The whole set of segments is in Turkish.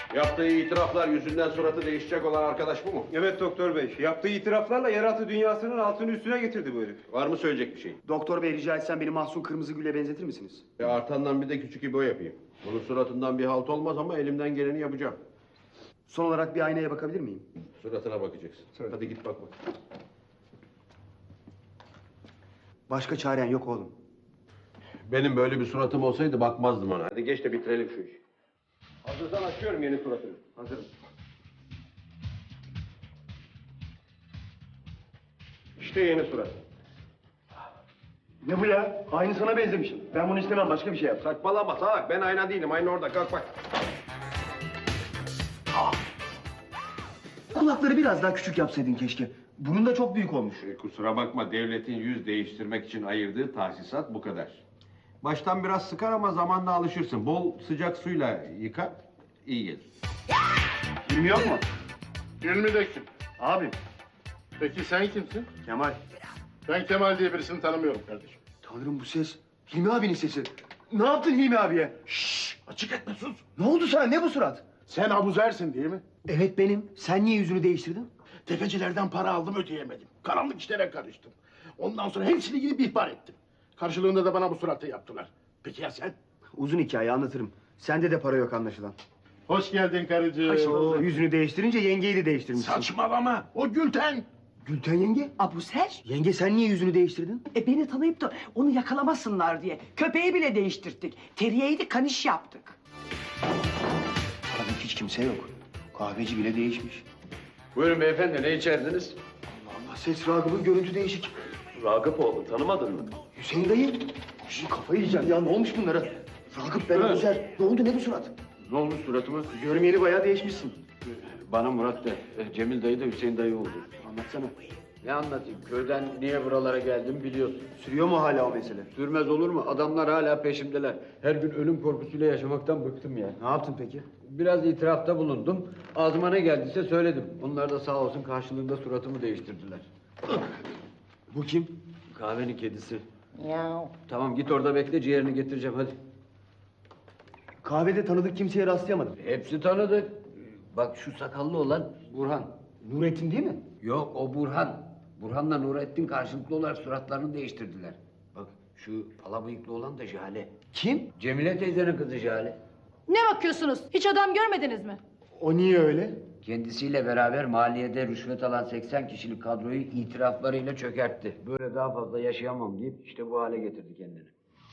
Yaptığı itiraflar yüzünden suratı değişecek olan arkadaş bu mu? Evet doktor bey. Yaptığı itiraflarla yeraltı dünyasının altını üstüne getirdi bu herif. Var mı söyleyecek bir şey? Doktor bey rica etsem beni Mahsun Kırmızıgül'e benzetir misiniz? Artandan bir de küçük İbo yapayım. Bunun suratından bir halt olmaz ama elimden geleni yapacağım. Son olarak bir aynaya bakabilir miyim? Suratına bakacaksın. Söyle. Hadi git bak bak. Başka çaren yok oğlum. Benim böyle bir suratım olsaydı bakmazdım ona. Hadi geç de bitirelim şu işi. Hazırsan açıyorum yeni suratını. Hazırım. İşte yeni surat. Ne bu ya? Aynı sana benzemişim. Ben bunu istemem, başka bir şey yap. Saçmalama salak. Ben ayna değilim. Ayna orada. Kalk bak. Kulakları biraz daha küçük yapsaydın keşke. Bunun da çok büyük olmuş. Kusura bakma. Devletin yüz değiştirmek için ayırdığı tahsisat bu kadar. Baştan biraz sıkar ama zamanla alışırsın. Bol sıcak suyla yıka. İyi gelir. Hilmi yok mu? Hilmi de kim? Abi. Peki sen kimsin? Kemal. Ben Kemal diye birisini tanımıyorum kardeşim. Tanrım bu ses. Hilmi abinin sesi. Ne yaptın Hilmi abiye? Şşş! Açık etme sus! Ne oldu sana? Ne bu surat? Sen Abuzer'sin değil mi? Evet benim. Sen niye yüzünü değiştirdin? Tefecilerden para aldım ödeyemedim. Karanlık işlere karıştım. Ondan sonra hepsini gidip ihbar ettim. Karşılığında da bana bu suratı yaptılar. Peki ya sen? Uzun hikaye anlatırım. Sende de para yok anlaşılan. Hoş geldin karıcığım. Oo, yüzünü değiştirince yengeyi de değiştirmişsin. Saçmalama! O Gülten! Gülten yenge. Abuzer, Yenge sen niye yüzünü değiştirdin? beni tanıyıp da onu yakalamasınlar diye köpeği bile değiştirdik. Teriyeyi de kaniş yaptık. Tabii hiç kimse yok. Kahveci bile değişmiş. Buyurun beyefendi, ne içerdiniz? Allah ses Ragıp'ın görüntü değişik. Ragıpoğlu, tanımadın mı? Hüseyin dayı. Şu kafayı yiyeceğim ya, ne olmuş bunlara? Ragıp ben Abuzer. Ne oldu, ne bu surat? Ne olmuş suratıma? Görmeyeli bayağı değişmişsin. Bana Murat de, Cemil dayı da Hüseyin dayı oldu. Anlatsana. Ne anlatayım, köyden niye buralara geldim biliyorsun. Sürüyor mu hala o mesele? Sürmez olur mu? Adamlar hala peşimdeler. Her gün ölüm korkusuyla yaşamaktan bıktım ya. Ne yaptın peki? Biraz itirafta bulundum. Ağzıma ne geldiyse söyledim. Onlar da sağ olsun karşılığında suratımı değiştirdiler. Bu kim? Kahvenin kedisi. Tamam git orada bekle, ciğerini getireceğim hadi. Kahvede tanıdık kimseye rastlayamadım. Hepsi tanıdık. Bak şu sakallı olan Burhan. Nurettin değil mi? Yok o Burhan. Burhan'la Nurettin karşılıklı olarak suratlarını değiştirdiler. Bak şu pala bıyıklı olan da Jale. Kim? Cemile teyzenin kızı Jale. Ne bakıyorsunuz? Hiç adam görmediniz mi? O niye öyle? Kendisiyle beraber maliyede rüşvet alan 80 kişilik kadroyu itiraflarıyla çökertti. Böyle daha fazla yaşayamam deyip işte bu hale getirdi kendini.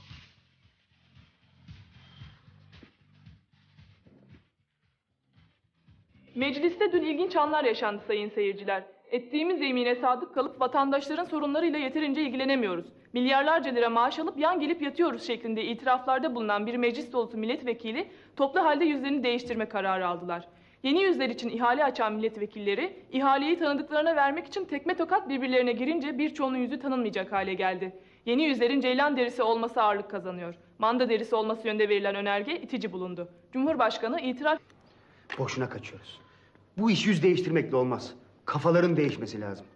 Mecliste dün ilginç anlar yaşandı sayın seyirciler. Ettiğimiz yemine sadık kalıp vatandaşların sorunlarıyla yeterince ilgilenemiyoruz. Milyarlarca lira maaş alıp yan gelip yatıyoruz şeklinde itiraflarda bulunan bir meclis dolusu milletvekili toplu halde yüzlerini değiştirme kararı aldılar. Yeni yüzler için ihale açan milletvekilleri ihaleyi tanıdıklarına vermek için tekme tokat birbirlerine girince birçoğunun yüzü tanınmayacak hale geldi. Yeni yüzlerin ceylan derisi olması ağırlık kazanıyor. Manda derisi olması yönde verilen önerge itici bulundu. Cumhurbaşkanı itiraf... Boşuna kaçıyoruz. Bu iş yüz değiştirmekle olmaz. Kafaların değişmesi lazım.